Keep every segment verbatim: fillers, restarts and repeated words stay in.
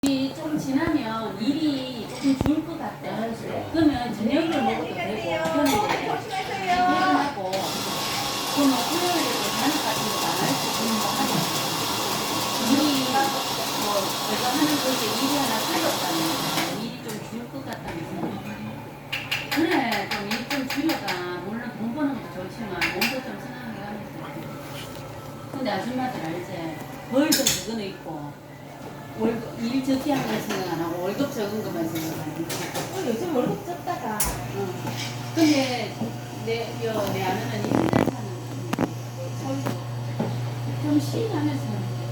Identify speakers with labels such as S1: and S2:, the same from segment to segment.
S1: 이 좀 지나면 일이 조금 줄 것 같아. 그러면 저녁을 먹어도 되고, 편하게 퇴근하고, 그러면 토요일에도 저녁 같은 거 안 할 수 있는 거 하죠. 일이, 뭐, 제가 하는 것에 일이 하나 줄었다면, 일이 좀 줄 것 같다면서. 그래, 좀 일 좀 줄여가. 물론 돈 버는 것도 좋지만, 몸도 좀 생각해 가면서. 근데 아줌마들 알지? 벌도 그거는 있고, 월급, 일 적게 하는 걸 생각 안 하고 월급 적은 것만 생각하는 거.
S2: 어, 요즘 월급 적다가.
S1: 응. 근데 내, 여, 내 아내는 일 년 사는 서울도 좀 쉬하면서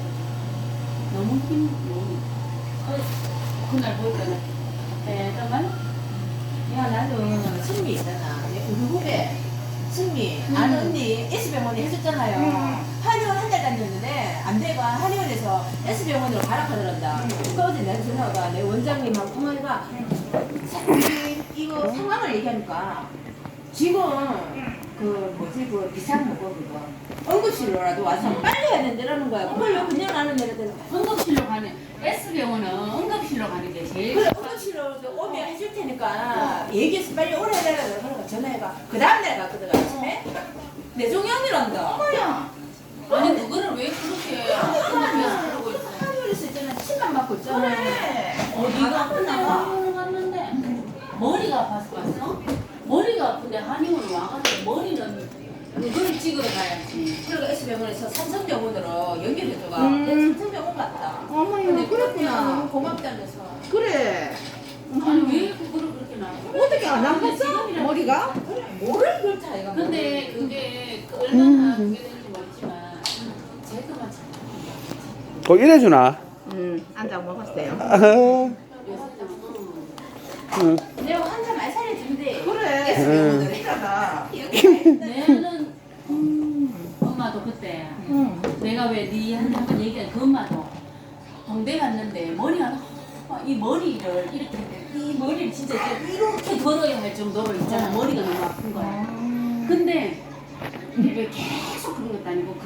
S1: 너무 힘, 너무. 어, 그날 보니까 대담한?
S2: 야, 나도 승미 있잖아. 우리 후배. 승미. 아는 언니 S병원에 해줬잖아요. 한의원 한 달 다녔는데, 안 돼가 한의원에서 S병원으로 가라 하더란다. 그 어제 내가 전화가 내 원장님하고 통화해가, 사- 이거 상황을 얘기하니까, 지금, 그, 뭐지, 그, 비상 뭐고, 그거. 응급실로라도 와서 빨리 해야 된다라는 거야. 그걸 그냥 안 하는 애들.
S1: 응급실로 가는, S병원은 응급실로 가는 게 제일
S2: 그래, 응급실로 오면 해줄 테니까 얘기해서 빨리 오래 해달라 그러니까 전화해가. 그 다음날 갔거든, 아침에. 뇌종양이란다.
S1: 뭐야? 아니 그거를 왜 그렇게 응급실에서 그러고 있어?
S2: 한의원에서 있잖아, 침만 맞고 있잖아.
S1: 그래.
S2: 어디가
S1: 아픈데
S2: 아프나?
S1: 한의원 갔는데 머리가 아파서 갔어? 머리가 아픈데 한의원 와가지고 머리는 그걸 찍으러 가야지.
S2: 그러니까 S병원에서 삼성병원으로 연결해줘가.
S3: 음.
S2: 내가 삼성병원 갔다.
S3: 어머니,
S2: 근데
S3: 그랬구나.
S2: 너무 고맙다면서.
S3: 그래.
S1: 아니 왜 그거를 그렇게 나?
S3: 어떻게 안 아팠어? 머리가?
S2: 뭐를 그렇다, 이가.
S1: 근데 그게 그 얼마나 그게 되는지 모르지만 제그만 참.
S4: 어, 이래주나?
S3: 응, 앉아 먹었어요.
S4: 아하. 응.
S2: 내가 환자 많이 살려준대.
S3: 그래.
S4: 응.
S2: 그러니까. 여기
S1: 내는 음, 엄마도 그때
S3: 응.
S1: 내가 왜 네 한테 한번 얘기한 그 엄마도 동대 갔는데 머리가 너무- 이 머리를 이렇게 이 머리를 진짜 이렇게 이렇게 걸어야 할 정도로 있잖아. 머리가 너무 아픈 거야. 근데 왜 계속 그런 것도 아니고